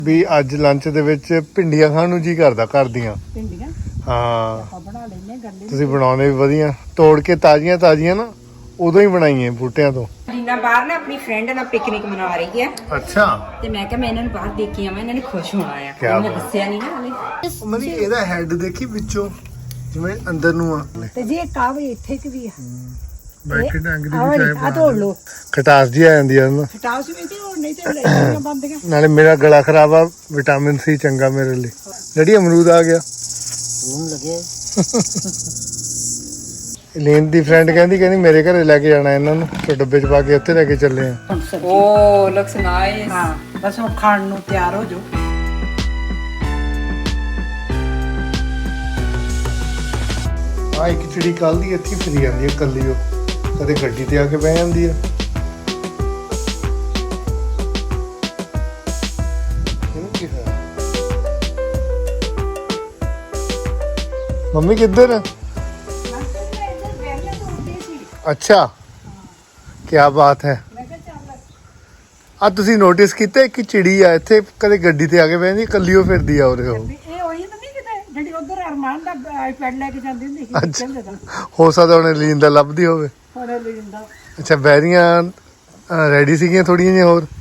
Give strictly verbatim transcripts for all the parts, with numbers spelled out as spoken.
ਵੀ ਅੱਜ ਲੰਚ ਦੇ ਵਿੱਚ ਭਿੰਡੀਆਂ ਖਾਣ ਨੂੰ ਜੀ ਕਰਦਾ ਘਰ ਦੀਆਂ ਭਿੰਡੀਆਂ ਹਾਂ ਆਪਾਂ ਬਣਾ ਲੈਨੇ ਗੱਲੇ ਤੁਸੀਂ ਬਣਾਉਂਦੇ ਵੀ ਵਧੀਆ ਤੋੜ ਕੇ ਤਾਜ਼ੀਆਂ ਤਾਜ਼ੀਆਂ ਨਾ ਉਦੋਂ ਹੀ ਬਣਾਈਆਂ ਬੂਟਿਆਂ ਤੋਂ। ਲੀਨਾ ਬਾਹਰ ਨਾ ਆਪਣੀ ਫਰੈਂਡ ਨਾਲ ਪਿਕਨਿਕ ਮਨਾ ਰਹੀ ਹੈ ਅੱਛਾ ਤੇ ਮੈਂ ਕਿਹਾ ਮੈਂ ਇਹਨਾਂ ਨੂੰ ਬਾਹਰ ਦੇਖ ਕੇ ਆਵਾਂ, ਇਹਨਾਂ ਨੇ ਖੁਸ਼ ਹੋਣਾ ਆ। ਕਿਆ ਮੈਂ ਬਾਤ। ਦੱਸਿਆ ਨਹੀਂ ਨਾ ਹਲੇ। ਮਨੀ ਇਹਦਾ ਹੈਡ ਦੇਖੀ ਵਿੱਚੋਂ ਜਿਵੇਂ ਅੰਦਰ ਨੂੰ ਆ ਤੇ ਜੀ ਇੱਕ ਆ ਵੀ ਇੱਥੇ ਕਿ ਵੀ ਆ ਬੈਠੇ ਡੰਗ ਦੀ ਆਹ ਵੀ ਆ ਤੋੜ ਲੋ ਖਟਾਸ ਜੀ ਆ ਜਾਂਦੀ ਆ ਨਾ ਖਟਾਸ ਵੀ ਤੇ ਹੋਰ ਨਹੀਂ ਤੇ ਲੈਣੀਆਂ ਬੰਦੀਆਂ। ਨਾਲੇ ਮੇਰਾ ਗਲਾ ਖਰਾਬ ਆ ਵਿਟਾਮਿਨ ਸੀ ਚੰਗਾ ਮੇਰੇ ਲਈ। ਜਿਹੜੀ ਅਮਰੂਦ ਆ ਗਿਆ ਹੁਣ ਲੱਗੇ ਲੇਨ ਦੀ ਫਰੈਂਡ ਕਹਿੰਦੀ ਕਹਿੰਦੀ ਮੇਰੇ ਘਰੇ ਲੈ ਕੇ ਜਾਣਾ ਇਹਨਾਂ ਨੂੰ ਤੇ ਡੱਬੇ 'ਚ ਪਾ ਕੇ ਉੱਥੇ ਲੈ ਕੇ ਚੱਲੇ ਆ। ਓ ਲੁਕਸ ਨਾਈਸ। ਹਾਂ ਬਸ ਹੁਣ ਖਾਣ ਨੂੰ ਤਿਆਰ ਹੋ ਜਾਓ। ਆ ਇੱਕ ਚਿੜੀ ਕੱਲ ਦੀ ਇੱਥੇ ਫਿਰੀ ਜਾਂਦੀ ਹੈ ਕੱਲੀ, ਉਹ ਕਦੇ ਗੱਡੀ ਤੇ ਆ ਕੇ ਬਹਿ ਜਾਂਦੀ ਆ। ਇਹਨੂੰ ਕੀ ਹੋਇਆ? ਮੰਮੀ ਕਿੱਧਰ? ਅੱਛਾ ਕੀ ਬਾਤ ਹੈ। ਆ ਤੁਸੀਂ ਨੋਟਿਸ ਕੀਤਾ ਕਿ ਚਿੜੀ ਆ ਇੱਥੇ ਕਦੇ ਗੱਡੀ ਤੇ ਆ ਕੇ ਬਹਿੰਦੀ, ਕੱਲੀ ਉਹ ਫਿਰਦੀ ਆ ਉਰੇ। ਉਹ ਇਹ ਉਹੀ ਤਾਂ ਨਹੀਂ ਕਿਤੇ ਜਿਹੜੀ ਉਧਰ ਅਰਮਾਨ ਦਾ ਆਈਪੈਡ ਲੈ ਕੇ ਜਾਂਦੀ ਹੁੰਦੀ ਸੀ ਕਹਿੰਦੇ ਤਾਂ ਹੋ ਸਕਦਾ ਉਹਨੇ ਲੀਨ ਦਾ ਲੱਭਦੀ ਹੋਵੇ। ਥੋੜਾ ਲੈ ਜਾਂਦਾ। ਅੱਛਾ ਬੈਰੀਆਂ ਰੈਡੀ ਸੀਗੀਆਂ ਥੋੜੀਆਂ ਜਿਹੀਆਂ ਹੋਰ।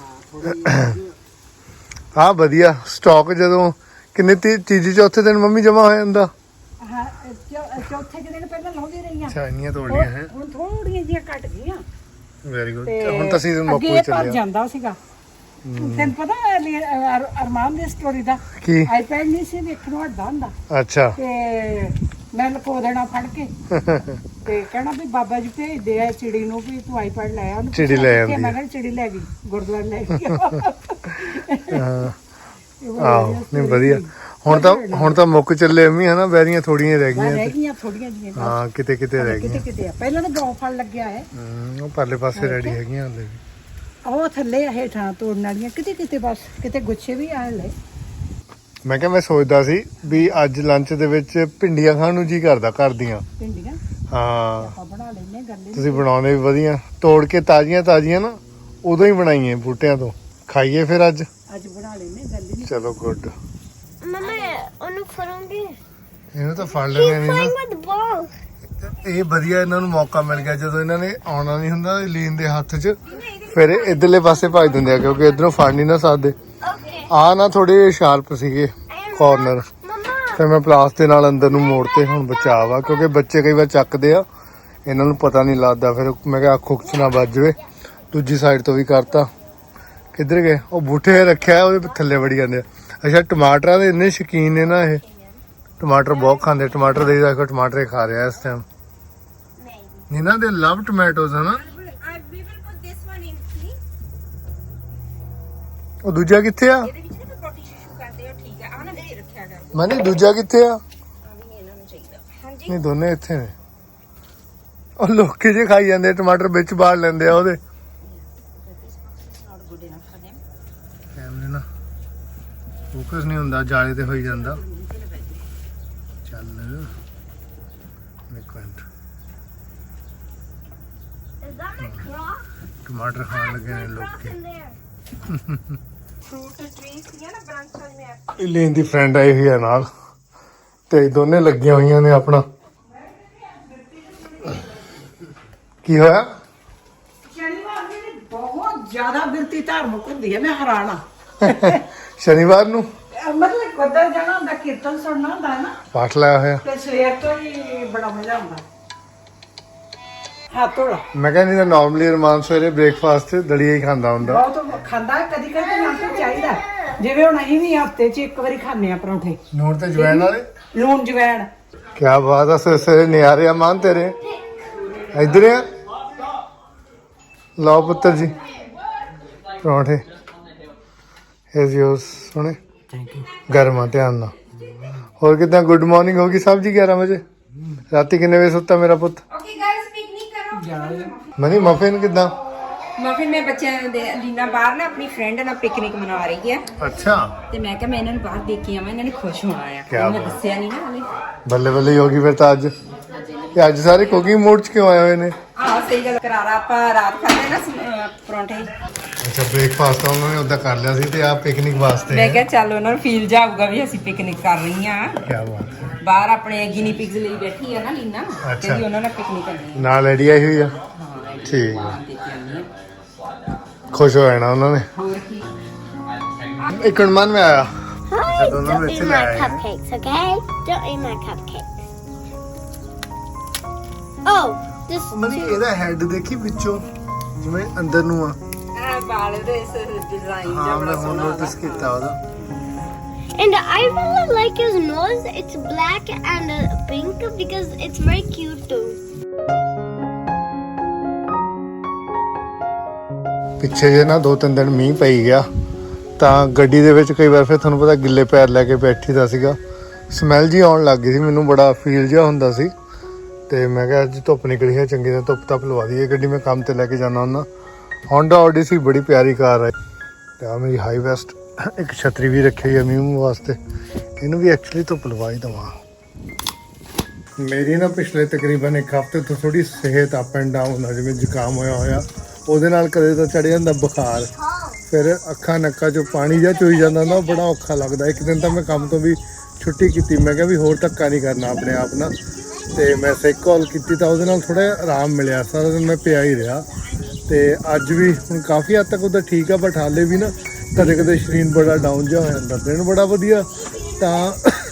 ਹਾਂ ਵਧੀਆ ਸਟਾਕ ਜਦੋਂ ਕਿੰਨੇ ਤੀਜੀ ਚੌਥੇ ਦਿਨ ਮੰਮੀ ਜਮਾ ਹੋ ਜਾਂਦਾ। ਹਾਂ ਚੌਥੇ ਦਿਨ ਪਹਿਲਾਂ ਲਾਉਂਦੀ ਰਹੀਆਂ। ਅੱਛਾ ਇੰਨੀਆਂ ਤੋੜੀਆਂ ਹੈ ਹੁਣ ਥੋੜੀਆਂ ਜਿਹੀਆਂ ਘਟ ਗਈਆਂ। Very good. ਹੁਣ ਤਾਂ ਸੀਜ਼ਨ ਮੁੱਕ ਅੱਗੇ ਚੱਲਿਆ ਜਾਂਦਾ ਸੀਗਾ। ਤੈਨੂੰ ਪਤਾ ਅਰਮਾਨ ਦੀ ਸਟੋਰੀ ਦਾ ਕੀ? ਆਈਪੈਡ ਨਹੀਂ ਸੀ ਵੇਖਣ ਨੂੰ ਹਟਦਾ ਹੁੰਦਾ ਅੱਛਾ ਤੇ ਮੈਂ ਲਕੋ ਦੇਣਾ ਫੜ ਕੇ ਤੇ ਕਹਿਣਾ ਵੀ ਬਾਬਾ ਜੀ ਭੇਜਦੇ ਆ ਚਿੜੀ ਨੂੰ ਵੀ ਤੂੰ ਆਈਪੈਡ ਲੈ ਆ। ਉਹਨੂੰ ਚਿੜੀ ਲੈ ਆਉਂਦੀ ਮੈਂ ਕਿਹਾ ਚਿੜੀ ਲੈ ਗਈ ਗੁਰਦੁਆਰੇ ਲੈ ਗਈ। ਹਾਂ ਆਹੋ ਨਹੀਂ ਵਧੀਆ। ਹੁਣ ਤਾਂ ਹੁਣ ਤਾਂ ਮੁੱਕ ਚੱਲੇ ਅੰਮੀ ਹਨਾ, ਬੈਰੀਆਂ ਥੋੜੀਆਂ ਰਹਿ ਗਈਆਂ। ਰਹਿ ਗਈਆਂ ਥੋੜੀਆਂ ਜਿਹੀਆਂ। ਹਾਂ ਕਿਤੇ ਕਿਤੇ ਰਹਿ ਕਿਤੇ ਗਈਆਂ। ਕਿਤੇ ਆ ਪਹਿਲਾਂ ਤਾਂ ਗੌ ਫਲ ਲੱਗਿਆ ਹੈ। ਹੂੰ ਉਹ ਪਰਲੇ ਪਾਸੇ ਰੈਡੀ ਹੈਗੀਆਂ ਹਲੇ ਵੀ। ਉਹ ਥੱਲੇ ਆ ਹੇਠਾਂ ਤੋੜਨ ਵਾਲੀਆਂ ਕਿਤੇ ਕਿਤੇ ਬਸ ਕਿਤੇ ਗੁੱਛੇ ਵੀ ਆ ਲੈ। ਮੈਂ ਕਿਹਾ ਮੈਂ ਸੋਚਦਾ ਸੀ ਵੀ ਅੱਜ ਲੰਚ ਦੇ ਵਿੱਚ ਭਿੰਡੀਆਂ ਖਾਣ ਨੂੰ ਜੀ ਕਰਦਾ ਘਰ ਦੀਆਂ ਭਿੰਡੀਆਂ ਹਾਂ ਆਪਾਂ ਬਣਾ ਲੈਨੇ ਗੱਲੇ ਤੁਸੀਂ ਬਣਾਉਂਦੇ ਵੀ ਵਧੀਆ ਤੋੜ ਕੇ ਤਾਜ਼ੀਆਂ ਤਾਜ਼ੀਆਂ ਨਾ ਉਦੋਂ ਹੀ ਬਣਾਈਆਂ ਬੂਟਿਆਂ ਤੋਂ। ਖਾਈਏ ਫਿਰ ਅੱਜ ਅੱਜ ਬਣਾ ਲੈਨੇ ਗੱਲੇ। ਚਲੋ ਗੁੱਡ। ਮਮਾ ਉਹਨੂੰ ਫੜੂੰਗੀ। ਇਹਨੂੰ ਤਾਂ ਫੜ ਲੈਣੇ ਨਹੀਂ ਨਾ। ਇਹ ਵਧੀਆ ਇਹਨਾਂ ਨੂੰ ਮੌਕਾ ਮਿਲ ਗਿਆ ਜਦੋਂ ਇਹਨਾਂ ਨੇ ਆਉਣਾ ਨਹੀਂ ਹੁੰਦਾ ਲੀਨ ਦੇ ਹੱਥ 'ਚ, ਫਿਰ ਇਹ ਇਧਰਲੇ ਪਾਸੇ ਭੱਜ ਦਿੰਦੇ ਆ ਕਿਉਂਕਿ ਇਧਰੋਂ ਫੜ ਨਹੀਂ ਨਾ ਸਕਦੇ। ਆ ਨਾ ਥੋੜੇ ਸ਼ਾਰਪ ਸੀਗੇ ਕਾਰਨਰ, ਫਿਰ ਮੈਂ ਪਲਾਸ ਦੇ ਨਾਲ ਅੰਦਰ ਨੂੰ ਮੋੜਤੇ। ਹੁਣ ਬਚਾਅ ਆ ਕਿਉਂਕਿ ਬੱਚੇ ਕਈ ਵਾਰ ਚੱਕਦੇ ਆ, ਇਹਨਾਂ ਨੂੰ ਪਤਾ ਨਹੀਂ ਲੱਗਦਾ। ਫਿਰ ਮੈਂ ਕਿਹਾ ਅੱਖ ਉੱਖ 'ਚ ਨਾ ਵੱਜ ਜਾਵੇ। ਦੂਜੀ ਸਾਈਡ ਤੋਂ ਵੀ ਕਰਤਾ। ਕਿੱਧਰ ਗਏ ਉਹ ਬੂਟੇ ਰੱਖਿਆ ਉਹਦੇ ਥੱਲੇ ਵੜੀ ਜਾਂਦੇ ਆ। ਅੱਛਾ ਟਮਾਟਰਾਂ ਦੇ ਇੰਨੇ ਸ਼ੌਕੀਨ ਨੇ ਨਾ ਇਹ, ਟਮਾਟਰ ਬਹੁਤ ਖਾਂਦੇ। ਟਮਾਟਰ ਦੇ ਦੇਖੋ ਟਮਾਟਰ ਹੀ ਖਾ ਰਿਹਾ ਇਸ ਟਾਈਮ। ਇਹਨਾਂ ਦੇ ਲਵ ਟੋਮੈਟੋਸ ਹਨਾ। ਉਹ ਦੂਜਾ ਕਿੱਥੇ ਆ? ਮਨੀ ਦੂਜਾ ਕਿੱਥੇ ਆ? ਨਹੀਂ ਦੋਨੇ ਇੱਥੇ ਨੇ। ਉਹ ਲੋਕੀ ਜੇ ਖਾਈ ਜਾਂਦੇ ਟਮਾਟਰ ਵਿੱਚ ਬਾੜ ਲੈਂਦੇ ਆ ਉਹਦੇ। ਕੈਮਰੇ ਨਾ ਫੋਕਸ ਨਹੀਂ ਹੁੰਦਾ, ਜਾਲੇ ਤੇ ਹੋਈ ਜਾਂਦਾ। ਚੱਲ ਇੱਕ ਮਿੰਟ। ਟਮਾਟਰ ਖਾਣ ਲੱਗੇ ਨੇ ਲੋਕੀ। ਇਲੇਨ ਦੀ ਫਰੈਂਡ ਆਈ ਹੋਈ ਹੈ ਨਾਲ ਤੇ ਦੋਨੇ ਲੱਗੀਆਂ ਹੋਈਆਂ ਨੇ ਆਪਣਾ। ਕੀ ਹੋਇਆ? ਸ਼ਨੀਵਾਰ ਦੀ ਬਹੁਤ ਜ਼ਿਆਦਾ ਬਿਰਤੀ ਧਾਰਮਿਕ ਹੁੰਦੀ ਹੈ। ਮੈਂ ਹੈਰਾਨ ਆ। ਸ਼ਨੀਵਾਰ ਨੂੰ ਮਤਲਬ ਉੱਧਰ ਜਾਣਾ ਹੁੰਦਾ, ਕੀਰਤਨ ਸੁਣਨਾ ਹੁੰਦਾ ਹੈ ਨਾ, ਪਾਠ ਲਾਇਆ ਹੋਇਆ। ਤੇ ਸਵੇਰ ਤੋਂ ਹੀ ਬੜਾ ਮਜ਼ਾ ਆਉਂਦਾ। ਹੱਥ ਧੋਲਾ। ਮੈਂ ਕਹਿੰਦੀ ਤਾਂ ਨਾਰਮਲੀ ਰਮਾਨ ਸਵੇਰੇ ਬ੍ਰੇਕਫਾਸਟ ਤੇ ਦਲੀਆ ਹੀ ਖਾਂਦਾ ਹੁੰਦਾ। ਬਹੁਤ ਖਾਂਦਾ ਕਦੀ ਕਦੀ ਨਾ ਤਾਂ ਚਾਹੀਦਾ। ਜਿਵੇਂ ਹੁਣ ਅਸੀਂ ਵੀ ਹਫਤੇ 'ਚ ਇੱਕ ਵਾਰੀ ਖਾਂਦੇ ਆ ਪਰੌਂਠੇ ਨੂਣ ਤੇ ਜਵੈਣ ਵਾਲੇ। ਲੂਣ ਜਵੈਣ। ਕੀ ਬਾਤ ਆ। ਸਵੇਰੇ ਸਵੇਰੇ ਨਿਆਰੇ ਆ ਮਾਨ ਤੇਰੇ। ਇੱਧਰ ਆ ਲਓ ਪੁੱਤਰ ਜੀ ਪਰੌਂਠੇ। Here's yours. ਸੁਣੇ ਗਰਮ ਆ ਧਿਆਨ ਨਾਲ। ਹੋਰ ਕਿਦਾਂ? ਗੁੱਡ ਮਾਰਨਿੰਗ ਹੋ ਗਈ ਸਾਹਿਬ ਜੀ। ਗਿਆਰਾਂ ਵਜੇ ਰਾਤੀ ਕਿੰਨੇ ਵਜੇ ਸੁੱਤਾ ਮੇਰਾ ਪੁੱਤ? ਓਕੇ ਗਾਇਸ ਪਿਕਨਿਕ ਕਰੋ। ਮਨੀ ਮਫਿਨ ਕਿਦਾਂ? ਮਫਿਨ ਮੈਂ ਬੱਚਿਆਂ ਦੇ ਲੀਨਾ ਬਾਹਰ ਨਾ ਆਪਣੀ ਫਰੈਂਡ ਨਾਲ ਪਿਕਨਿਕ ਮਨਾ ਰਹੀ ਹੈ। ਅੱਛਾ ਤੇ ਮੈਂ ਕਿਹਾ ਮੈਂ ਇਹਨਾਂ ਨੂੰ ਬਾਹਰ ਦੇਖ ਕੇ ਆਵਾਂ, ਇਹਨਾਂ ਨੇ ਖੁਸ਼ ਹੋਣਾ ਆ। ਕਿਆ ਮੈਂ ਬਾਤ। ਦੱਸਿਆ ਨਹੀਂ ਨਾ ਹਲੇ। ਬੱਲੇ ਬੱਲੇ ਹੀ ਹੋ ਗਈ ਫਿਰ ਤਾਂ ਅੱਜ। ਤੇ ਅੱਜ ਸਾਰੇ ਕੁਕਿੰਗ ਮੋਡ 'ਚ ਕਿਉਂ ਆਏ ਹੋਏ ਨੇ? ਆਹ ਸਹੀ ਗੱਲ। ਕਰਾਰਾ ਆਪਾਂ ਰਾਤ ਖਾਂਦੇ ਨਾ ਸ- ਅਹ ਪਰੌਂਠੇ। ਅੱਛਾ ਬ੍ਰੇਕਫਾਸਟ ਤਾਂ ਉਹਨਾਂ ਨੇ ਉਦਾਂ ਕਰ ਲਿਆ ਸੀ ਤੇ ਆ ਪਿਕਨਿਕ ਵਾਸਤੇ ਮੈਂ ਕਿਹਾ ਚੱਲ ਉਹਨਾਂ ਨੂੰ ਫੀਲ ਜਾਊਗਾ ਵੀ ਅਸੀਂ ਪਿਕਨਿਕ ਕਰ ਰਹੀ ਆ ਕੀ ਬਾਤ ਹੈ। ਬਾਹਰ ਆਪਣੇ ਗਿਨੀ ਪਿਗਸ ਲਈ ਬੈਠੀ ਆ ਨਾ ਲੀਨਾ ਅੱਛਾ। ਤੇ ਉਹਨਾਂ ਨਾਲ ਪਿਕਨਿਕ ਕਰਨੀ ਨਾਲ ਐਡੀ ਆਈ ਹੋਈ ਆ ਹਾਂ ਠੀਕ ਆ ਦੇਖ ਕੇ ਆਉਣੀ ਆ। ਖੁਸ਼ ਹੋ ਜਾਣਾ ਉਹਨਾਂ ਨੇ ਹੋਰ ਕੀ ਇੱਕ ਮਨ ਮੈਂ ਆਇਆ Hi, don't know don't where eat to my lie. cupcakes, okay? Don't eat my cupcakes. Oh, this ਮਨੀ ਇਹਦਾ ਹੈਡ ਦੇਖੀ ਵਿੱਚੋਂ ਜਿਵੇਂ ਅੰਦਰ ਨੂੰ ਆ ਆ ਬਾਲ ਦੇ ਇਸ ਡਿਜ਼ਾਈਨ ਹਾਂ ਜਿਹਾ ਮੈਂ ਬੜਾ ਹੁਣ ਸੋਹਣਾ ਨੋਟਿਸ ਕੀਤਾ ਉਹਦਾ and I really like his nose. It's black and uh, pink because it's very cute too. ਪਿੱਛੇ ਜੇ ਨਾ ਦੋ ਤਿੰਨ ਦਿਨ ਮੀਂਹ ਪਈ ਗਿਆ ਤਾਂ ਗੱਡੀ ਦੇ ਵਿੱਚ ਕਈ ਵਾਰ ਫਿਰ ਤੁਹਾਨੂੰ ਪਤਾ ਗਿੱਲੇ ਪੈਰ ਲੈ ਕੇ ਬੈਠੀ ਦਾ ਸੀਗਾ ਸਮੈਲ ਜੀ ਆਉਣ ਲੱਗ ਗਈ ਸੀ ਮੈਨੂੰ ਬੜਾ ਫੀਲ ਜਿਹਾ ਹੁੰਦਾ ਸੀ ਤੇ ਮੈਂ ਕਿਹਾ ਅੱਜ ਧੁੱਪ ਨਿਕਲੀ ਹੈ ਚੰਗੀ ਤਰ੍ਹਾਂ ਧੁੱਪ ਤੱਪ ਲਵਾ ਦਈਏ ਗੱਡੀ ਮੈਂ ਕੰਮ ਤੇ ਲੈ ਕੇ ਜਾਣਾ ਹੁੰਦਾ Honda Odyssey ਬੜੀ ਪਿਆਰੀ ਕਾਰ ਹੈ ਤੇ ਆ ਮੇਰੀ ਹਾਈ ਵੈਸਟ ਇੱਕ ਛਤਰੀ ਵੀ ਰੱਖੀ ਹੋਈ ਹੈ ਮੀਂਹ ਮੂੰਹ ਵਾਸਤੇ ਇਹਨੂੰ ਵੀ ਐਕਚੁਅਲੀ ਧੁੱਪ ਲਵਾ ਹੀ ਦੇਵਾਂ ਮੇਰੀ ਨਾ ਪਿਛਲੇ ਤਕਰੀਬਨ ਇੱਕ ਹਫ਼ਤੇ ਤੋਂ ਥੋੜੀ ਸਿਹਤ ਅਪ ਐਂਡ ਡਾਊਨ ਆ ਜਿਵੇਂ ਜ਼ੁਕਾਮ ਹੋਇਆ ਹੋਇਆ ਉਹਦੇ ਨਾਲ ਕਦੇ ਤਾਂ ਚੜ ਜਾਂਦਾ ਬੁਖਾਰ ਫਿਰ ਅੱਖਾਂ ਨੱਕਾਂ 'ਚੋਂ ਪਾਣੀ ਜਿਹਾ ਚੋਈ ਜਾਂਦਾ ਨਾ ਬੜਾ ਔਖਾ ਲੱਗਦਾ ਇੱਕ ਦਿਨ ਤਾਂ ਮੈਂ ਕੰਮ ਤੋਂ ਵੀ ਛੁੱਟੀ ਕੀਤੀ ਮੈਂ ਕਿਹਾ ਵੀ ਹੋਰ ਧੱਕਾ ਨਹੀਂ ਕਰਨਾ ਆਪਣੇ ਆਪ ਨਾਲ ਤੇ ਮੈਂ ਸੈਕ ਕਾਲ ਕੀਤੀ ਤਾਂ ਉਹਦੇ ਨਾਲ ਥੋੜਾ ਆਰਾਮ ਮਿਲਿਆ ਸਾਰਾ ਦਿਨ ਮੈਂ ਪਿਆ ਹੀ ਰਿਹਾ ਤੇ ਅੱਜ ਵੀ ਹੁਣ ਕਾਫੀ ਹੱਦ ਤੱਕ ਉਹਦਾ ਠੀਕ ਆ ਬਟ ਹਾਲੇ ਵੀ ਨਾ ਕਦੇ ਕਦੇ ਸਰੀਰ ਬੜਾ ਡਾਊਨ ਜਿਹਾ ਹੋ ਜਾਂਦਾ ਦਿਨ ਬੜਾ ਵਧੀਆ ਤਾਂ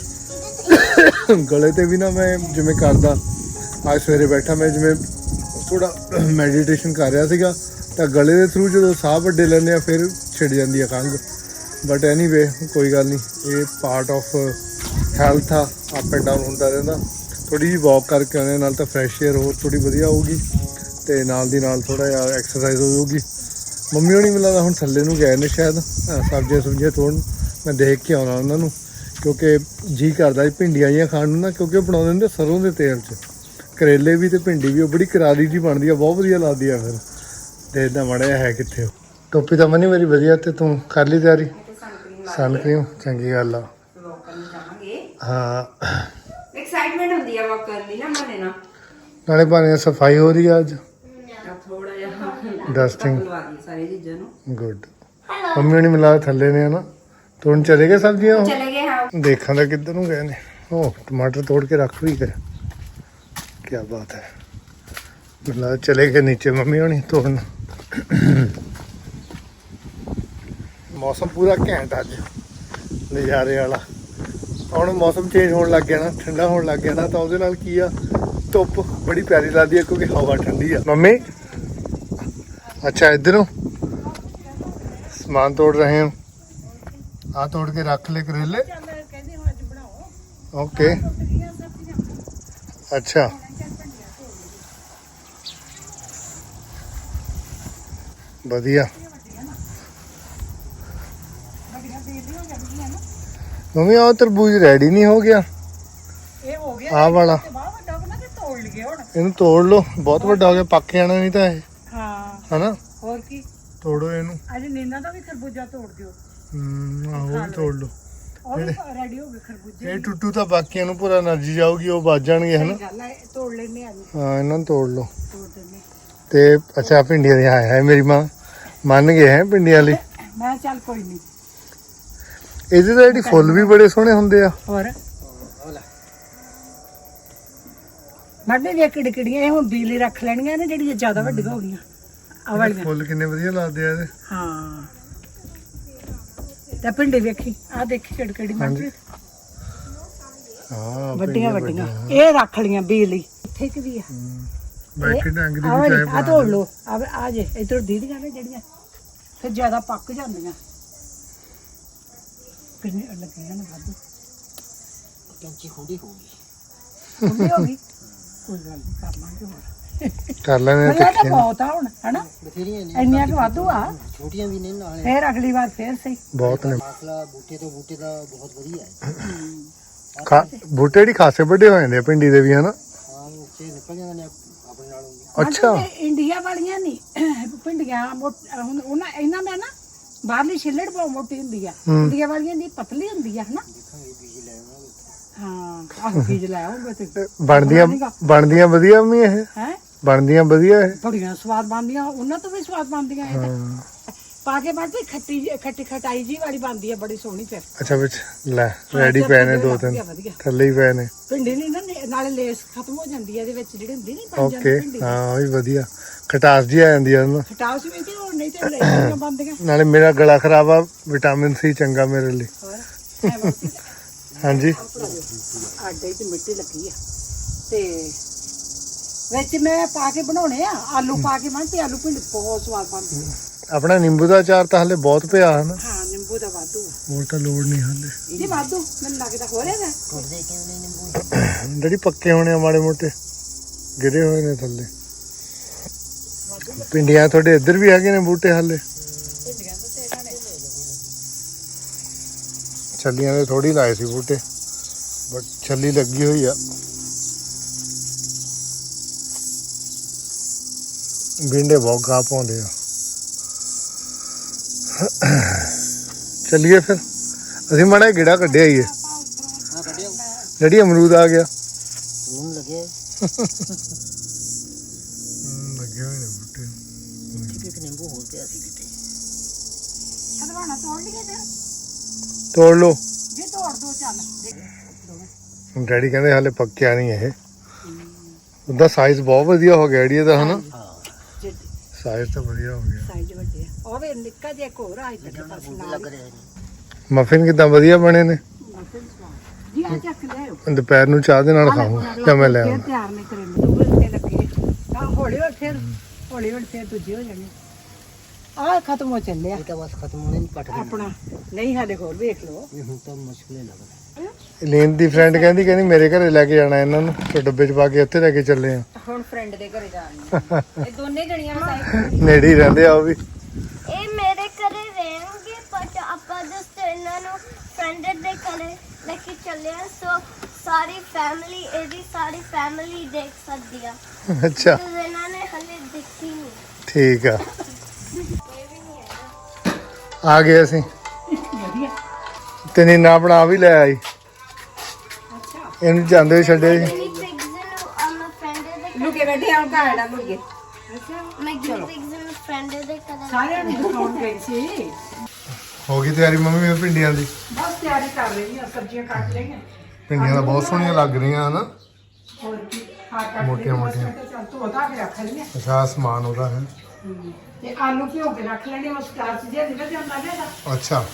ਗਲੇ ਤੇ ਵੀ ਨਾ ਮੈਂ ਜਿਵੇਂ ਕਰਦਾ ਅੱਜ ਸਵੇਰੇ ਬੈਠਾ ਮੈਂ ਜਿਵੇਂ ਥੋੜਾ ਮੈਡੀਟੇਸ਼ਨ ਕਰ ਰਿਹਾ ਸੀਗਾ ਤਾਂ ਗਲੇ ਦੇ ਥਰੂ ਜਦੋਂ ਸਾਹ ਵੱਡੇ ਲੈਂਦੇ ਆ ਫਿਰ ਛਿੜ ਜਾਂਦੀ ਆ ਖੰਘ ਬਟ ਐਨੀਵੇ ਕੋਈ ਗੱਲ ਨਹੀਂ ਇਹ ਪਾਰਟ ਆਫ ਹੈਲਥ ਆ ਅਪ ਐਂਡ ਡਾਊਨ ਹੁੰਦਾ ਰਹਿੰਦਾ ਥੋੜੀ ਜਿਹੀ ਵਾਕ ਕਰਕੇ ਆਉਣੇ ਨਾਲ ਤਾਂ ਫਰੈਸ਼ ਏਅਰ ਹੋਰ ਥੋੜੀ ਵਧੀਆ ਹੋਊਗੀ ਤੇ ਨਾਲ ਦੀ ਨਾਲ ਥੋੜਾ ਜਿਹਾ ਐਕਸਰਸਾਈਜ਼ ਹੋ ਜਾਊਗੀ ਮੰਮੀ ਹੋਣੀ ਮਿਲਦਾ ਹੁਣ ਥੱਲੇ ਨੂੰ ਗਏ ਨੇ ਸ਼ਾਇਦ ਸਬਜ਼ੀਆਂ ਸੁਬਜ਼ੀਆਂ ਤੋੜਨ ਮੈਂ ਦੇਖ ਕੇ ਆਉਣਾ ਉਹਨਾਂ ਨੂੰ ਕਿਉਂਕਿ ਜੀ ਕਰਦਾ ਭਿੰਡੀਆਂ ਜਿਹੀਆਂ ਖਾਣ ਨੂੰ ਨਾ ਕਿਉਂਕਿ ਉਹ ਬਣਾਉਂਦੇ ਹੁੰਦੇ ਸਰੋਂ ਦੇ ਤੇਲ 'ਚ ਕਰੇਲੇ ਵੀ ਤੇ ਭਿੰਡੀ ਵੀ ਉਹ ਬੜੀ ਕਰਾਰੀ ਜਿਹੀ ਬਣਦੀ ਆ ਬਹੁਤ ਵਧੀਆ ਲੱਗਦੀ ਆ ਫਿਰ ਦੇਖਦਾ ਮੜਿਆ ਹੈ ਕਿੱਥੇ ਟੋਪੀ ਤਾਂ ਮਨੀ ਮੇਰੀ ਵਧੀਆ ਤੇ ਤੂੰ ਕਰ ਲਈ ਤਿਆਰੀ ਸਨ ਕਰੀਮ ਚੰਗੀ ਗੱਲ ਆ ਵਾਕ ਕਰਨ ਜਾਵਾਂਗੇ ਹਾਂ ਐਕਸਾਈਟਮੈਂਟ ਹੁੰਦੀ ਆ ਵਾਕ ਕਰਨ ਦੀ ਨਾ ਮਨੇ ਨਾ ਨਾਲੇ ਭਾਵੇਂ ਸਫਾਈ ਹੋ ਰਹੀ ਆ ਅੱਜ ਥੋੜਾ ਜਿਹਾ ਡਸਟਿੰਗ ਲਵਾ ਦੀ ਸਾਰੀ ਚੀਜ਼ਾਂ ਨੂੰ ਗੁੱਡ ਮੰਮੀ ਹੋਣੀ ਮਿਲਾ ਥੱਲੇ ਨੇ ਹਨਾ ਤੋੜਨ ਚਲੇ ਗਏ ਸਬਜ਼ੀਆਂ ਉਹ? ਚਲੇ ਗਏ ਹਾਂ ਦੇਖਾਂ ਤਾਂ ਕਿੱਧਰ ਨੂੰ ਗਏ ਨੇ ਉਹ ਟਮਾਟਰ ਤੋੜ ਕੇ ਰੱਖ ਵੀ ਕਰ ਕੀ ਬਾਤ ਹੈ ਮਿਲਾ ਚਲੇ ਗਏ ਨੀਚੇ ਮੰਮੀ ਹੋਣੀ ਤੋੜਨ ਮੌਸਮ ਪੂਰਾ ਘੈਂਟ ਅੱਜ ਨਜ਼ਾਰੇ ਵਾਲਾ ਹੁਣ ਮੌਸਮ ਚੇਂਜ ਹੋਣ ਲੱਗ ਗਿਆ ਨਾ ਠੰਡਾ ਹੋਣ ਲੱਗ ਗਿਆ ਨਾ ਤਾਂ ਉਹਦੇ ਨਾਲ ਕੀ ਆ ਧੁੱਪ ਬੜੀ ਪਿਆਰੀ ਲੱਗਦੀ ਹੈ ਕਿਉਂਕਿ ਹਵਾ ਠੰਡੀ ਆ ਮੰਮੀ ਅੱਛਾ ਇੱਧਰੋਂ ਸਮਾਨ ਤੋੜ ਰਹੇ ਹਾਂ ਆ ਤੋੜ ਕੇ ਰੱਖ ਲੈ ਕਰੇਲੇ ਓਕੇ ਅੱਛਾ ਵਧੀਆ ਮੰਮੀ ਆ ਤਰਬੂਜ ਰੈਡੀ ਨਹੀਂ ਹੋ ਗਿਆ ਇਹ ਹੋ ਗਿਆ ਆਹ ਵਾਲਾ ਤੇ ਬਾਹਰ ਵੱਡਾ ਬਣਾ ਕੇ ਤੋੜ ਲਈਏ ਹੁਣ ਇਹਨੂੰ ਤੋੜ ਲਓ ਬਹੁਤ ਵੱਡਾ ਹੋ ਗਿਆ ਪੱਕ ਜਾਣਾ ਨਹੀਂ ਤਾਂ ਇਹ ਹਾਂ ਹਨਾ ਹੋਰ ਕੀ ਤੋੜੋ ਇਹਨੂੰ ਅੱਜ ਨੀਨਾ ਦਾ ਵੀ ਖਰਬੂਜਾ ਤੋੜ ਦਿਓ ਹਮ ਆਹੋ ਵੀ ਤੋੜ ਲਓ ਉਹ ਵੀ ਰੈਡੀ ਹੋ ਗਏ ਖਰਬੂਜੇ ਇਹ ਟੁੱਟੂ ਤਾਂ ਬਾਕੀਆਂ ਨੂੰ ਪੂਰਾ એનર્ਜੀ ਜਾਊਗੀ ਉਹ ਵੱਜ ਜਾਣਗੇ ਹਨਾ ਗੱਲ ਹੈ ਤੋੜ ਲੈਣੇ ਅੱਜ ਹਾਂ ਇਹਨਾਂ ਨੂੰ ਤੋੜ ਲਓ ਤੋੜ ਦਿੰਦੇ ਤੇ ਅੱਛਾ ਭਿੰਡੀਆਂ ਦੀਆਂ ਹੈ ਮੇਰੀ ਮਾਂ ਮੰਨ ਗਏ ਹੈ ਭਿੰਡੀਆਂ ਲਈ ਮੈਂ ਚੱਲ ਕੋਈ ਨਹੀਂ ਇਹਦੇ ਤਾਂ ਜਿਹੜੀ ਫੁੱਲ ਵੀ ਬੜੇ ਸੋਹਣੇ ਹੁੰਦੇ ਆ ਹੋਰ ਮੱਡੇ ਦੀਆਂ ਕਿੜਕੜੀਆਂ ਇਹ ਹੁਣ ਬੀਲੀ ਰੱਖ ਲੈਣੀਆਂ ਨੇ ਜਿਹੜੀਆਂ ਜ਼ਿਆਦਾ ਵੱਡੀਆਂ ਹੋ ਗਈਆਂ ਆ ਵਾਲੀਆਂ ਫੁੱਲ ਕਿੰਨੇ ਵਧੀਆ ਲੱਗਦੇ ਆ ਇਹਦੇ ਹਾਂ ਤੇ ਪਿੰਡੇ ਵੇਖੀ ਆ ਦੇਖੀ ਕਿੜਕੜੀ ਮੱਡੀ ਹਾਂ ਵੱਡੀਆਂ ਵੱਡੀਆਂ ਇਹ ਰੱਖ ਲੀਆਂ ਬੀਲੀ ਇੱਥੇ ਕਿ ਵੀ ਆ ਬੈਠੇ ਡੰਗ ਦੀ ਆ ਵੀ ਵਾਲੀ ਚਾਹ ਆ ਤੋੜ ਲੋ ਆ ਆ ਜੇ ਇਧਰ ਦੀਦੀਆਂ ਨੇ ਜਿਹੜੀਆਂ ਫਿਰ ਜ਼ਿਆਦਾ ਪੱਕ ਜਾਂਦੀਆਂ ਕਿੰਨੇ ਲੱਗੀਆਂ ਨੇ ਵਾਧੂ ਕੈਂਚੀ ਹੁੰਦੀ ਹੋਊਗੀ ਹੁੰਦੀ ਹੋ ਗਈ ਕੋਈ ਗੱਲ ਨਹੀਂ ਕਰ ਲਾਂਗੇ ਹੋਰ ਕਰ ਲੈਣੇ ਮੱਲਾ ਤਾਂ ਬਹੁਤ ਆ ਹੁਣ ਹਨਾ ਬਥੇਰੀਆਂ ਨੇ ਇੰਨੀਆਂ ਕੁ ਵਾਧੂ ਆ ਛੋਟੀਆਂ ਵੀ ਨੇ ਨਾਲੇ ਫੇਰ ਅਗਲੀ ਵਾਰ ਫੇਰ ਸਹੀ ਬਹੁਤ ਨੇ ਮਸਲਾ ਬੂਟੇ ਤੋਂ ਬੂਟੇ ਦਾ ਬਹੁਤ ਵਧੀਆ ਹੈ ਖਾ ਬੂਟੇ ਦੀ ਖਾਸੇ ਵੱਡੇ ਹੋ ਜਾਂਦੇ ਆ ਪਿੰਡੀ ਦੇ ਵੀ ਹਨਾ ਹਾਂ ਉੱਚੇ ਨਿਕਲ ਜਾਂਦੇ ਨੇ ਆਪਣੇ ਨਾਲੋਂ ਵੀ ਅੱਛਾ ਮਤਲਬ ਇਹ ਇੰਡੀਆ ਵਾਲੀਆਂ ਨਹੀਂ ਪਿੰਡੀਆਂ ਮੋਟ- ਹੁਣ ਉਹਨਾਂ ਇਹਨਾਂ ਦਾ ਨਾ ਬਾਹਰਲੀ ਛਿੱਲੜ ਬਹੁਤ ਮੋਟੀ ਹੁੰਦੀ ਆ ਇੰਡੀਆ ਵਾਲੀਆਂ ਦੀ ਪਤਲੀ ਹੁੰਦੀ ਆ ਹਨਾ ਦੇਖਾਂਗੇ ਬੀਜ ਲੈ ਆਵਾਂਗੇ ਹਾਂ ਆਹ ਬੀਜ ਲੈ ਆਉਂਗੇ ਤੇ ਬਣਦੀਆਂ ਬਣਦੀਆਂ ਵਧੀਆ ਵੀ ਇਹ ਹੈ ਬਣਦੀਆਂ ਵਧੀਆ ਇਹ ਬੜੀਆਂ ਸਵਾਦ ਬਣਦੀਆਂ ਉਹਨਾਂ ਤੋਂ ਵੀ ਸਵਾਦ ਬਣਦੀਆਂ ਇਹ ਤਾਂ ਪਾ ਕੇ ਬਾਅਦ ਵਿੱਚ ਖੱਟੀ ਜਿਹੀ- ਖੱਟੀ ਖਟਾਈ ਜੀ ਵਾਲੀ ਬਣਦੀ ਹੈ ਬੜੀ ਸੋਹਣੀ ਫਿਰ ਅੱਛਾ ਵਿੱਚ ਲੈ ਰੈਡੀ ਪਏ ਨੇ ਦੋ ਤਿੰਨ ਵਧੀਆ ਵਧੀਆ ਥੱਲੇ ਹੀ ਪਏ ਨੇ ਭਿੰਡੀ ਨਹੀਂ ਨਾ ਨੇ- ਨਾਲੇ ਲੇਸ ਖਤਮ ਹੋ ਜਾਂਦੀ ਹੈ ਇਹਦੇ ਵਿੱਚ ਜਿਹੜੀ ਹੁੰਦੀ ਨਹੀਂ ਬਣ ਜਾਂਦੀ ਓਕੇ ਭਿੰਡੀ ਹਾਂ ਉਹ ਵੀ ਵਧੀਆ ਖਟਾਸ ਜੀ ਆ ਜਾਂਦੀ ਆ ਉਹਨੂੰ ਖਟਾਸ ਵੀ ਤੇ ਹੋਰ ਨਹੀਂ ਤੇ ਲੇਸ ਬਣਦੀਆਂ ਨਾਲੇ ਮੇਰਾ ਗਲਾ ਖਰਾਬ ਆ ਵਿਟਾਮਿਨ ਸੀ ਚੰਗਾ ਮੇਰੇ ਲਈ ਹੋਰ ਐ ਵਰਤੀ ਹਾਂਜੀ ਆਡੇ ਚ ਮਿੱਟੀ ਲੱਗੀ ਆ ਤੇ ਵਿੱਚ ਮੈਂ ਪਾ ਕੇ ਬਣਾਉਣੇ ਆ ਆਲੂ ਪਾ ਕੇ ਮੈਂ ਤੇ ਆਲੂ ਭਿੰਡੀ ਬਹੁਤ ਸਵਾਦ ਬਣਦੀ ਆ। ਆਪਣਾ ਨਿੰਬੂ ਦਾ ਅਚਾਰ ਤਾਂ ਹਲੇ ਬਹੁਤ ਪਿਆ ਹਨ ਹਾਂ ਨਿੰਬੂ ਦਾ ਵਾਧੂ ਆ। ਹੋਰ ਤਾਂ ਲੋੜ ਨਹੀਂ ਹਲੇ ਜੀ ਵਾਧੂ ਮੈਨੂੰ ਲੱਗਦਾ ਹੋ ਰਿਹਾ ਕੁੜਦੇ ਕਿਉਂ ਨਹੀਂ ਨਿੰਬੂ ਜਿਹੜੀ ਪੱਕੇ ਹੋਣੇ ਆ ਮਾੜੇ ਮੋਟੇ ਗਿਰੇ ਹੋਏ ਨੇ ਥੱਲੇ ਪਿੰਡੀਆਂ ਤੁਹਾਡੇ ਇੱਧਰ ਵੀ ਹੈਗੇ ਨੇ ਬੂਟੇ ਹਾਲੇ ਛੱਲੀਆਂ ਦੇ ਥੋੜੀ ਲਾਏ ਸੀ ਬੂਟੇ ਬਟ ਛੱਲੀ ਲੱਗੀ ਹੋਈ ਆ ਬਿੰਡੇ ਬਹੁਤ ਗਾਹ ਪਾਉਂਦੇ ਆ ਚੱਲੀਏ ਫਿਰ ਅਸੀਂ ਮਾੜਾ ਜਿਹਾ ਗੇੜਾ ਕੱਢਿਆ ਹੀ ਹੈ ਹਾਂ ਕੱਢਿਓ ਜਿਹੜੀ ਅਮਰੂਦ ਆ ਗਿਆ ਹੁਣ ਲੱਗੇ ਲੱਗੇ ਹੋਏ ਨੇ ਬੂਟੇ ਠੀਕ ਇੱਕ ਨਿੰਬੂ ਹੋਰ ਪਿਆ ਸੀ ਕਿਤੇ ਹਲਵਾਣਾ ਤੋੜ ਲਈਏ ਫਿਰ ਤੋੜ ਲਓ ਜੇ ਤੋੜ ਦੋ ਚੱਲ ਡੈਡੀ ਕਹਿੰਦੇ ਹਾਲੇ ਪੱਕਿਆ ਨਹੀਂ ਇਹ ਉਹਦਾ ਸਾਈਜ਼ ਬਹੁਤ ਵਧੀਆ ਹੋ ਗਿਆ ਡੈਡੀ ਇਹਦਾ ਹਨਾ ਹਾਂ ਸਾਈਜ਼ ਤਾਂ ਵਧੀਆ ਹੋ ਗਿਆ ਸਾਈਜ਼ ਵੱਡੇ ਆ ਉਹ ਵੀ ਨਿੱਕਾ ਜਿਹਾ ਇੱਕ ਹੋਰ ਆ ਇੱਧਰ ਪਾਸੇ ਬੂਟੇ ਨਾਲ ਲੱਗ ਰਹੇ ਨੇ ਮਫਿਨ ਕਿਦਾਂ ਵਧੀਆ ਬਣੇ ਨੇ ਜੀ ਆ ਚੱਕ ਲਿਆਓ ਦੁਪਹਿਰ ਨੂੰ ਚਾਹ ਦੇ ਨਾਲ ਖਾਵਾਂ ਜਾਂ ਮੈਂ ਲੈ ਫਿਰ ਆਵਾਂ ਤਿਆਰ ਨੇ ਤੇਰੇ ਮੂੰਹ ਤੇ ਲੱਗੇ ਆ ਹੌਲੀ ਹੌਲੀ ਫਿਰ ਹੌਲੀ ਹੌਲੀ ਫਿਰ ਦੂਜੇ ਹੋ ਜਾਣੇ ਆ ਖਤਮ ਹੋ ਚੱਲਿਆ ਇਹ ਤਾਂ ਬਸ ਖਤਮ ਹੋਣੇ ਨਹੀਂ ਪਟ ਗਏ ਆਪਣਾ ਨਹੀਂ ਹਾਲੇ ਹੋਰ ਵੇਖ ਲਓ ਇਹ ਹੁਣ ਤਾਂ ਮੁਸ਼ਕਿਲ ਲੱਗ ਰਿਹਾ ਲੀਨ ਦੀ ਫਰੈਂਡ ਕਹਿੰਦੀ ਕਹਿੰਦੀ ਮੇਰੇ ਘਰੇ ਲੈ ਕੇ ਜਾਣਾ ਇਹਨਾਂ ਨੂੰ ਤੇ ਡੱਬੇ 'ਚ ਪਾ ਕੇ ਉੱਥੇ ਲੈ ਕੇ ਚੱਲੇ ਆ ਹੁਣ ਫਰੈਂਡ ਦੇ ਘਰੇ ਜਾਣੀ ਇਹ ਦੋਨੇ ਜਣੀਆਂ ਸਾਈਡ ਨੇੜੇ ਹੀ ਰਹਿੰਦੇ ਆ ਉਹ ਵੀ ਇਹ ਮੇਰੇ ਘਰੇ ਰਹਿਣਗੇ ਬਟ ਆਪਾਂ ਜਸਟ ਇਹਨਾਂ ਨੂੰ ਫਰੈਂਡ ਦੇ ਘਰੇ ਲੈ ਕੇ ਚੱਲੇ ਆ ਸੋ ਸਾਰੀ ਫੈਮਿਲੀ ਇਹਦੀ ਸਾਰੀ ਫੈਮਿਲੀ ਦੇਖ ਸਕਦੀ ਆ ਅੱਛਾ ਤੇ ਇਹਨਾਂ ਨੇ ਹਲੇ ਦੇਖੀ ਨਹੀਂ ਠੀਕ ਆ ਇਹ ਵੀ ਨਹੀਂ ਹੈਗਾ ਆ ਗਏ ਅਸੀਂ ਵਧੀਆ ਤੇ ਨੀਨਾ ਆਪਣਾ ਵੀ ਲੈ ਆਈ ਅੱਛਾ ਇਹਨੂੰ ਜਾਂਦੇ ਹੋਏ ਛੱਡੇ ਸੀ ਗਿਨੀ ਪਿਗਸ ਨੂੰ ਆਮ ਫਰੈਂਡ ਦੇ ਲੁਕੇ ਬੈਠੇ ਆ ਘਾੜਾ ਲੁਕੇ ਅੱਛਾ ਮੈਂ ਗਿਨੀ ਪਿਗਸ ਨੂੰ ਫਰੈਂਡ ਦੇ ਘਰੇ ਸਾਰਿਆਂ ਨੂੰ ਦਿਖਾਉਣ ਗਈ ਸੀ ਹੋ ਗਈ ਤਿਆਰੀ ਮੰਮੀ ਫਿਰ ਭਿੰਡੀਆਂ ਦੀ ਬਸ ਤਿਆਰੀ ਕਰ ਰਹੀ ਆ ਸਬਜ਼ੀਆਂ ਕੱਟ ਲਈਆਂ ਭਿੰਡੀਆਂ ਤਾਂ ਬਹੁਤ ਸੋਹਣੀਆਂ ਲੱਗ ਰਹੀਆਂ ਹਨਾ ਹੋਰ ਕੀ ਹਾਂ ਕੱਟ ਮੋਟੀਆਂ ਲਈਆਂ, ਬਸ ਮੋਟੀਆਂ। ਮੈਂ ਕਿਹਾ ਚੱਲ ਧੋ ਧਾ ਕੇ ਰੱਖ ਲਈਆਂ ਅੱਛਾ ਆਹ ਸਮਾਨ ਉਹਦਾ ਹੈ ਤੇ ਆਲੂ ਭਿਓ ਕੇ ਰੱਖ ਲੈਣੇ ਉਸ ਸਟਾਰਚ ਜਿਹਾ ਨਿਕਲ ਜਾਂਦਾ ਨਾ ਇਹਦਾ ਅੱਛਾ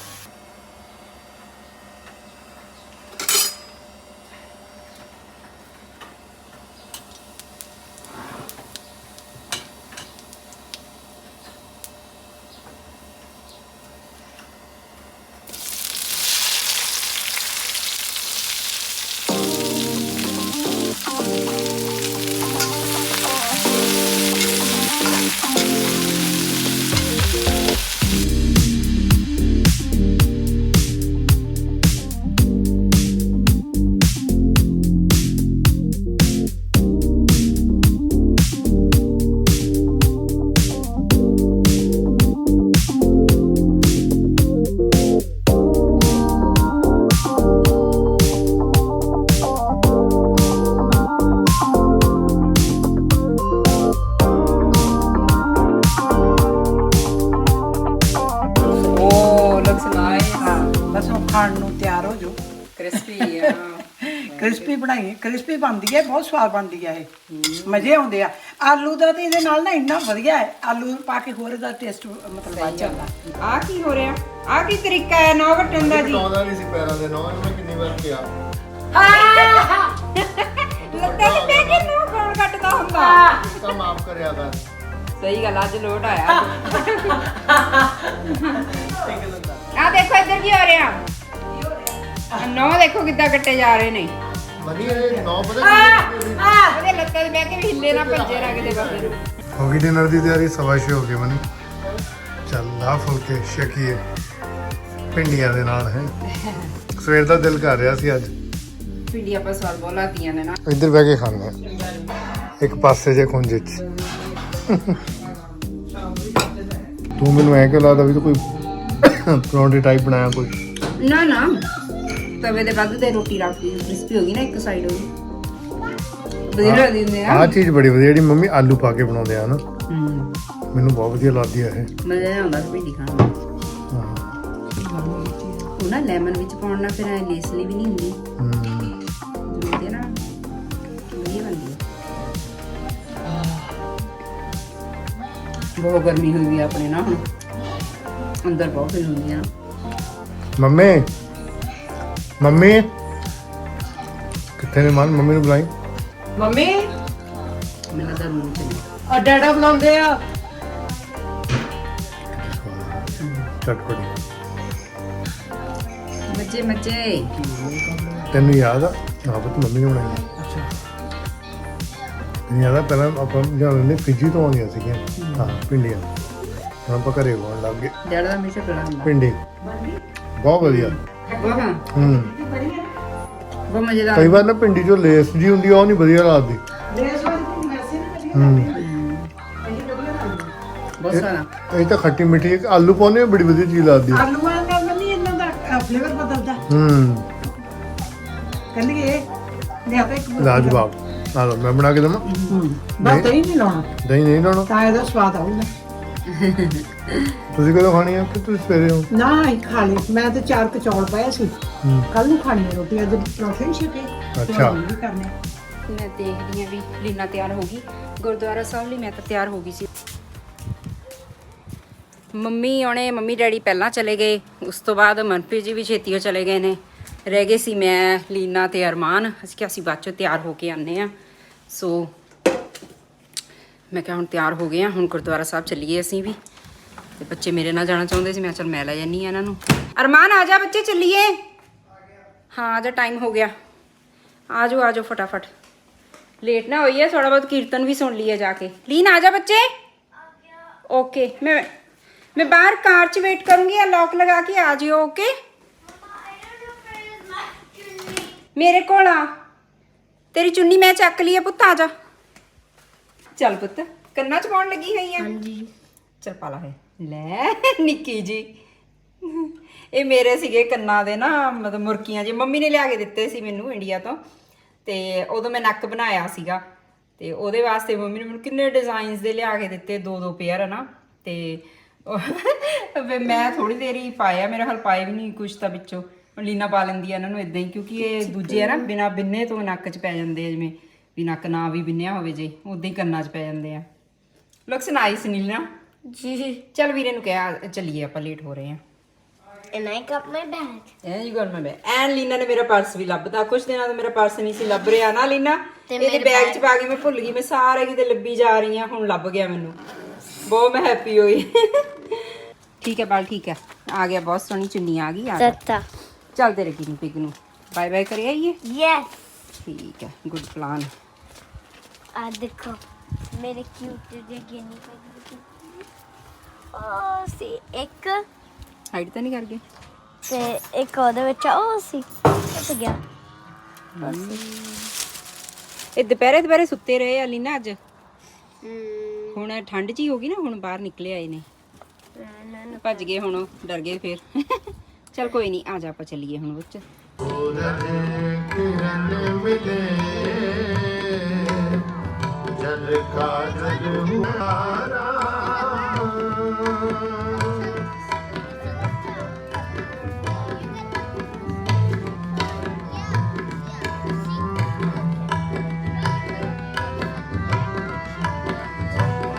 ਓ ਲੁਕਸ ਨਾਈਸ ਹਾਂ ਬਸ ਉਹ ਖਾਣ ਨੂੰ ਤਿਆਰ ਹੋ ਜਾਓ ਕ੍ਰਿਸਪੀ ਆ ਕ੍ਰਿਸਪੀ ਬਣਾਈ ਕ੍ਰਿਸਪੀ ਬਣਦੀ ਹੈ ਬਹੁਤ ਸਵਾਦ ਬਣਦੀ ਹੈ ਇਹ ਮਜ਼ੇ ਆਉਂਦੇ ਆ ਆਲੂ ਦਾ ਤੇ ਇਹਦੇ ਨਾਲ ਨਾ ਇੰਨਾ ਵਧੀਆ ਹੈ ਆਲੂ ਪਾ ਕੇ ਹੋਰ ਦਾ ਟੇਸਟ ਮਤਲਬ ਵੱਧ ਜਾਂਦਾ ਆ ਕੀ ਹੋ ਰਿਹਾ ਆ ਕੀ ਤਰੀਕਾ ਹੈ ਨੌ ਵਟਣ ਦਾ ਜੀ ਆਉਂਦਾ ਨਹੀਂ ਸੀ ਪੈਰਾਂ ਦੇ ਨੌ ਮੈਂ ਕਿੰਨੀ ਵਾਰ ਕਿਹਾ ਲੱਤਾਂ ਤੇ ਬਹਿ ਕੇ ਨੌ ਕੌਣ ਕੱਟਦਾ ਹੁੰਦਾ ਤਾਂ ਮਾਫ ਕਰਿਆ ਕਰ ਸਹੀ ਗੱਲ ਅੱਜ ਲੋਟ ਆਇਆ ਆ ਦੇਖੋ ਇੱਧਰ ਕੀ ਹੋ ਰਿਹਾ ਨੌ ਦੇਖੋ ਕਿੱਦਾਂ ਕੱਟੇ ਜਾ ਰਹੇ ਨੇ ਵਧੀਆ ਇਹ ਨੌ ਪਤਾ ਉਹਦੇ ਲੱਤਾਂ ਤੇ ਬਹਿ ਕੇ ਵੀ ਹਿੱਲੇ ਨਾ ਭੱਜੇ ਨਾ ਕਿਤੇ ਪਾਸੇ ਨੂੰ ਹੋ ਗਈ ਡਿਨਰ ਦੀ ਤਿਆਰੀ ਸਵਾ ਛੇ ਹੋ ਗਏ ਮਨੀ ਚੱਲ ਆ ਫੁਲਕੇ ਛਕੀਏ ਪਿੰਡੀਆਂ ਦੇ ਨਾਲ ਹੈ ਸਵੇਰ ਦਾ ਦਿਲ ਕਰ ਰਿਹਾ ਸੀ ਅੱਜ ਪਿੰਡੀ ਆਪਾਂ ਸਵਾਲ ਬੋਲਾਤੀਆਂ ਨੇ ਨਾ ਇੱਧਰ ਬਹਿ ਕੇ ਖਾਂਦੇ ਆ ਇੱਕ ਪਾਸੇ ਜੇ ਖੁੰਝੇ ਚ ਤੂੰ ਮੈਨੂੰ ਐ ਕਿਉਂ ਲੱਗਦਾ ਵੀ ਤੂੰ ਕੋਈ ਪਰੌਂਠੇ ਟਾਈਪ ਬਣਾਇਆ ਕੋਈ ਨਾ ਨਾ ਤਵੇ ਦੇ ਵੱਧ ਤੇ ਰੋਟੀ ਰੱਖਦੀ ਕ੍ਰਿਸਪੀ ਹੋ ਗਈ ਨਾ ਇੱਕ ਸਾਈਡ ਹੋ ਗਈ ਵਧੀਆ ਲੱਗਦੀ ਹੁੰਦੀ ਆ ਆਹ ਚੀਜ਼ ਬੜੀ ਵਧੀਆ ਜਿਹੜੀ ਮੰਮੀ ਆਲੂ ਪਾ ਕੇ ਬਣਾਉਂਦੇ ਆ ਨਾ ਹੂੰ ਮੈਨੂੰ ਬਹੁਤ ਵਧੀਆ ਲੱਗਦੀ ਹੈ ਇਹ। ਮਜ਼ਾ ਆਉਂਦਾ ਭਿੰਡੀ ਖਾਣ ਦਾ। ਹਾਂ ਉਹ ਨਾ ਲੈਮਨ ਵਿੱਚ ਪਾਉਣ ਨਾਲ ਫਿਰ ਐ ਲੇਸਲੀ ਵੀ ਨਹੀਂ ਹੁੰਦੀ। ਹੂੰ ਜਿਵੇਂ ਨਾ ਵਧੀਆ ਬਣਦੀ ਹੈ। ਬਹੁਤ ਗਰਮੀ ਹੋਈ ਵੀ ਆਪਣੇ ਨਾ ਹੁਣ ਅੰਦਰ ਬਹੁਤ ਹੀ ਹੁੰਦੀ ਆ। ਮੰਮੀ ਮੰਮੀ ਕਿੱਥੇ ਨੇ ਮਨ ਮੰਮੀ ਨੂੰ ਬੁਲਾਈ। ਮੰਮੀ ਮੈਨੂੰ ਤਾਂ ਰੂਮ ਚ ਆ ਡੈਡਾ ਬੁਲਾਉਂਦੇ ਆ। ਚਟਪਟੀ ਮੱਜੇ ਮੱਜੇ। ਤੈਨੂੰ ਯਾਦ ਆ ਆਪ ਤਾਂ ਮੰਮੀ ਨੇ ਬਣਾਈ ਅੱਛਾ ਤੈਨੂੰ ਯਾਦ ਆ ਪਹਿਲਾਂ ਆਪਾਂ ਜਦੋਂ ਨੇ ਫਿਜੀ ਤੋਂ ਆਉਂਦੀਆਂ ਸੀਗੀਆਂ ਹਾਂ ਪਿੰਡੀਆਂ ਹੁਣ ਆਪਾਂ ਘਰੇ ਬਣਾਉਣ ਲੱਗ ਗਏ ਡੈਡਾ ਦਾ ਹਮੇਸ਼ਾ ਬੜਾ ਹੁੰਦਾ। ਪਿੰਡੀ ਬਹੁਤ ਵਧੀਆ ਵਾਹ ਹੂੰ ਬਹੁਤ ਮਜ਼ੇਦਾਰ। ਕਈ ਵਾਰ ਨਾ ਪਿੰਡੀ ਜੋ ਲੇਸ ਜੀ ਹੁੰਦੀ ਆ ਉਹ ਨਹੀਂ ਵਧੀਆ ਲੱਗਦੀ ਲੇਸ ਵਾਲੀ ਭਿੰਡੀ ਵੈਸੇ ਨਾ ਕਦੀ ਹੂੰ ਬਹੁਤ ਸਾਰਾ। ਇਹ ਤਾਂ ਖੱਟੀ ਮਿੱਠੀ ਇੱਕ ਆਲੂ ਪਾਉਣੇ ਬੜੀ ਵਧੀਆ ਚੀਜ਼ ਲੱਗਦੀ ਆ ਆਲੂਆਂ ਨਾਲ ਮੰਮੀ ਇਹਨਾਂ ਦਾ ਫਲੇਵਰ ਬਦਲਦਾ। ਹੂੰ ਕਹਿੰਦੀ ਇਹ ਲਿਆ ਤਾਂ ਇੱਕ ਲਾਜਵਾਬ ਆ ਲਓ ਮੈਂ ਬਣਾ ਕੇ ਦਵਾਂ ਬਸ ਦਹੀਂ ਨਹੀਂ ਲਾਉਣਾ ਦਹੀਂ ਨਹੀਂ ਲਾਉਣਾ ਤਾਂ ਇਹਦਾ ਸਵਾਦ ਆਊਗਾ। ਤੁਸੀਂ ਕਦੋਂ ਖਾਣੀ ਆ ਕਿ ਤੁਸੀਂ ਸਵੇਰੇ ਹੋ ਨਾ ਹੀ ਖਾ ਲਈ ਮੈਂ ਤੇ ਚਾਰ ਕਚੌਲ ਪਾਇਆ ਸੀ ਹੂੰ ਕੱਲ ਨੂੰ ਖਾਣੀ ਹੈ ਰੋਟੀ ਅੱਜ ਪਰੌਂਠੇ ਨਹੀਂ ਛਕੇ ਅੱਛਾ। ਵੀ ਕਰਨੇ ਆ। ਮੈਂ ਦੇਖਦੀ ਹਾਂ ਵੀ ਲੀਨਾ ਤਿਆਰ ਹੋ ਗਈ ਗੁਰਦੁਆਰਾ ਸਾਹਿਬ ਲਈ। ਮੈਂ ਤਾਂ ਤਿਆਰ ਹੋ ਗਈ ਸੀ। ਮੰਮੀ ਆਉਣੇ ਮੰਮੀ ਡੈਡੀ ਪਹਿਲਾਂ ਚਲੇ ਗਏ। ਉਸ ਤੋਂ ਬਾਅਦ ਮਨਪ੍ਰੀਤ ਜੀ ਵੀ ਛੇਤੀ ਹੋ ਚਲੇ ਗਏ ਨੇ। ਰਹਿ ਗਏ ਸੀ ਮੈਂ ਲੀਨਾ ਤੇ ਅਰਮਾਨ। ਅਸੀਂ ਕਿਹਾ ਅਸੀਂ ਬਾਅਦ ਚੋਂ ਤਿਆਰ ਹੋ ਕੇ ਆਉਂਦੇ ਹਾਂ। ਸੋ ਮੈਂ ਕਿਹਾ ਹੁਣ ਤਿਆਰ ਹੋ ਗਏ ਹਾਂ ਹੁਣ ਗੁਰਦੁਆਰਾ ਸਾਹਿਬ ਚੱਲੀਏ ਅਸੀਂ ਵੀ। ਤੇ ਬੱਚੇ ਮੇਰੇ ਨਾਲ ਜਾਣਾ ਚਾਹੁੰਦੇ ਸੀ ਮੈਂ ਚਲ ਮੈਂ ਲੈ ਜਾਂਦੀ ਹਾਂ ਇਹਨਾਂ ਨੂੰ। ਅਰਮਾਨ ਆ ਜਾ ਬੱਚੇ ਚੱਲੀਏ। ਹਾਂ ਆ ਜਾ ਟਾਈਮ ਹੋ ਗਿਆ। ਆ ਜਾਓ ਆ ਜਾਓ ਫਟਾਫਟ ਲੇਟ ਨਾ ਹੋਈਏ। ਥੋੜਾ ਬਹੁਤ ਕੀਰਤਨ ਵੀ ਸੁਣ ਲਈਏ ਜਾ ਕੇ। ਲੀਨ ਆ ਜਾ ਬੱਚੇ। ਓਕੇ ਮੈਂ मैं बाहर कार च वेट करूंगी या लॉक लगा के आ जियो। ओके मेरे को आ तेरी चुन्नी मैं चक ली है पुत्त। आ जा चल पुत्त कन्ना च पाउण लगी हुई है। हां जी चल पाला है ले निक्की जी। ਇਹ ਮੇਰੇ ਸੀਗੇ ਕੰਨਾਂ ਦੇ ਨਾ ਮਤਲਬ ਮੁਰਕੀਆਂ ਜੀ ਮੰਮੀ ਨੇ ਲਿਆ ਕੇ ਦਿੱਤੇ ਸੀ ਮੈਨੂੰ ਇੰਡੀਆ ਤੋਂ। ਤੇ ਉਦੋਂ ਮੈਂ ਨੱਕ ਬਣਾਇਆ ਸੀਗਾ ਤੇ ਉਹਦੇ ਵਾਸਤੇ ਮੰਮੀ ਨੇ ਮੈਨੂੰ ਕਿੰਨੇ ਡਿਜ਼ਾਈਨਸ ਦੇ ਲਿਆ ਕੇ ਦਿੱਤੇ ਦੋ ਦੋ ਪੇਅਰ ਨਾ। ਤੇ ਮੈਂ ਥੋੜੀ ਦੇਰ ਹੀ ਪਾਇਆ ਮੇਰੇ ਹਾਲ ਪਾਏ ਵੀ ਨਹੀਂ ਕੁਛ ਤਾਂ ਵਿੱਚੋਂ। ਲੀਨਾ ਪਾ ਲੈਂਦੀ ਆ ਇਹਨਾਂ ਨੂੰ ਇਦਾਂ ਹੀ ਕਿਉਂਕਿ ਇਹ ਦੂਜੇ ਆ ਨਾ ਬਿਨਾ ਬਿੰਨੇ ਤੋਂ ਨੱਕ 'ਚ ਪੈ ਜਾਂਦੇ ਆ। ਜਿਵੇਂ ਵੀ ਨੱਕ ਨਾ ਵੀ ਬਿੰਨਿਆ ਹੋਵੇ ਜੇ ਉਦਾਂ ਹੀ ਕੰਨਾਂ 'ਚ ਪੈ ਜਾਂਦੇ ਆ। ਲੁਕਸ ਨਾਈਸ ਨੀਨਾ ਜੀ। ਚੱਲ ਵੀਰੇ ਨੂੰ ਕਿਹਾ ਚੱਲੀਏ ਆਪਾਂ ਲੇਟ ਹੋ ਰਹੇ ਆ। And I got my bag. ਐਂ ਜੀ ਗੱਲ ਮੈਂ ਬੈ ਐਨ ਲੀਨਾ ਨੇ ਮੇਰਾ ਪਰਸ ਵੀ ਲੱਭਦਾ। ਕੁਛ ਦਿਨਾਂ ਤੋਂ ਮੇਰਾ ਪਰਸ ਨਹੀਂ ਸੀ ਲੱਭ ਰਿਹਾ ਨਾ ਲੀਨਾ। ਇਹਦੇ ਬੈਗ 'ਚ ਪਾ ਕੇ ਮੈਂ ਭੁੱਲ ਗਈ। ਮੈਂ ਸਾਰੇ ਕਿਤੇ ਲੱਭੀ ਜਾ ਰਹੀ ਆ ਹੁਣ ਲੱਭ ਗਿਆ ਮੈਨੂੰ। ਬਹੁਤ ਮੈਂ ਹੈਪੀ ਹੋਈ। ਠੀਕ ਹੈ ਬਾਲ ਠੀਕ ਹੈ ਆ ਗਿਆ। ਬਹੁਤ ਸੋਹਣੀ ਚੁੰਨੀ ਆ ਗਈ। ਆ Tata. ਚੱਲ ਤੇਰੇ ਗਿਨੀ ਪਿਗ ਨੂੰ ਬਾਏ ਬਾਏ ਕਰਿਆ ਆਈਏ। Yes. ਠੀਕ ਹੈ ਗੁੱਡ ਪਲਾਨ। ਆ ਦੇਖੋ ਮੇਰੇ ਕਿਊਟ ਜਿਹੇ ਗਿਨੀ ਪਿਗ। ਉਹ ਸੀ ਇੱਕ ਹਾਈਡ ਤਾਂ ਨਹੀਂ ਕਰ ਗਏ। ਤੇ ਇੱਕ ਉਹਦੇ ਵਿੱਚ ਉਹ ਸੀ ਕਿੱਥੇ ਗਿਆ। ਇਹ ਦੁਪਹਿਰੇ ਦੁਪਹਿਰੇ ਸੁੱਤੇ ਰਹੇ ਆ ਲੀਨਾ ਅੱਜ। ਹੁਣ ਠੰਡ ਜੀ ਹੋ ਗਈ ਨਾ ਹੁਣ ਬਾਹਰ ਨਿਕਲੇ ਆਏ ਨੇ। ਭੱਜ ਗਏ ਹੁਣ ਡਰ ਗਏ ਫਿਰ। ਚਲ ਕੋਈ ਨਹੀਂ ਆ ਜਾ ਆਪਾਂ ਚੱਲੀਏ ਹੁਣ ਵਿੱਚ। ਜਲ ਕਾ ਜਲ ਹੁਆਰਾ